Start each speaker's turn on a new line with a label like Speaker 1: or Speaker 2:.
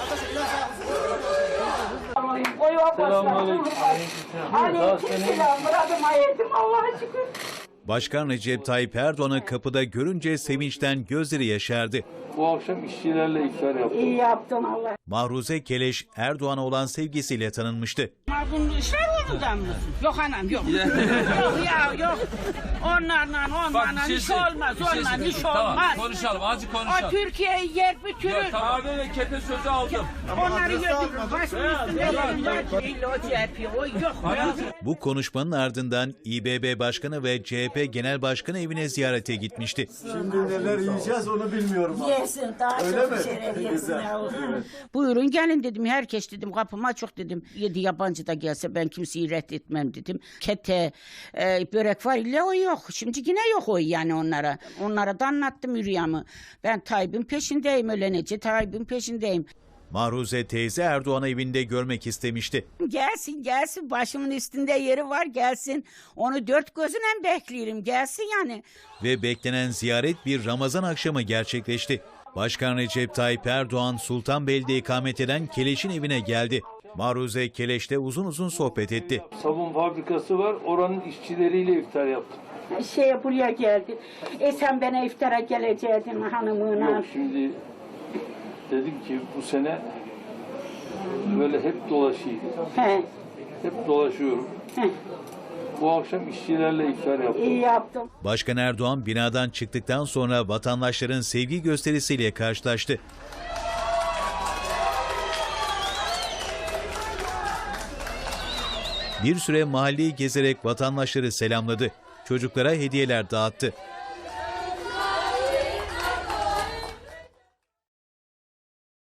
Speaker 1: Başkan Recep Tayyip Erdoğan'ı kapıda görünce sevinçten gözleri yaşardı.
Speaker 2: Bu akşam işçilerle iftar yaptım.
Speaker 3: İyi yaptın Allah.
Speaker 1: Mahruze Keleş, Erdoğan'a olan sevgisiyle tanınmıştı.
Speaker 3: Bunun işler olmadan mısın? Yok anam yok. Yok ya yok. Onlarla iş olmaz. Onlarla iş
Speaker 4: Tamam,
Speaker 3: olmaz.
Speaker 4: konuşalım, azıcık konuşalım.
Speaker 3: O Türkiye'yi yer bitirir.
Speaker 4: Abi ve kete sözü aldım.
Speaker 3: Onları götürür. Başımın üstünde yerim var. İlla o CHP, o yok.
Speaker 1: Bu konuşmanın ardından İBB Başkanı ve CHP Genel Başkanı evine ziyarete gitmişti.
Speaker 5: Şimdi neler yiyeceğiz onu bilmiyorum.
Speaker 3: Yesin daha
Speaker 5: Öyle
Speaker 3: çok
Speaker 5: mi?
Speaker 3: şeref yesin.
Speaker 5: Güzel.
Speaker 3: Buyurun gelin dedim. Herkes dedim kapıma çok dedim. 7 yabancı da gelse ben kimseyi reddetmem dedim. Kete, börek var illa o yok. Şimdi yine yok o yani onlara. Onlara da anlattım rüyamı. Ben Tayyip'in peşindeyim ölenece. Tayyip'in peşindeyim.
Speaker 1: Mahruze teyze Erdoğan'ı evinde görmek istemişti.
Speaker 3: Gelsin başımın üstünde yeri var gelsin. Onu dört gözüyle bekliyorum gelsin yani.
Speaker 1: Ve beklenen ziyaret bir Ramazan akşamı gerçekleşti. Başkan Recep Tayyip Erdoğan Sultanbeyli'de ikamet eden Keleş'in evine geldi. Mahruze Keleş'le uzun uzun sohbet etti.
Speaker 2: Sabun fabrikası var, oranın işçileriyle iftar yaptım.
Speaker 3: Buraya geldi. Sen bana iftara geleceydin hanımına.
Speaker 2: Yok şimdi dedim ki bu sene böyle hep dolaşayım. Hep dolaşıyorum. Bu akşam işçilerle iftar yaptım.
Speaker 3: İyi yaptım.
Speaker 1: Başkan Erdoğan binadan çıktıktan sonra vatandaşların sevgi gösterisiyle karşılaştı. Bir süre mahalleyi gezerek vatandaşları selamladı. Çocuklara hediyeler dağıttı.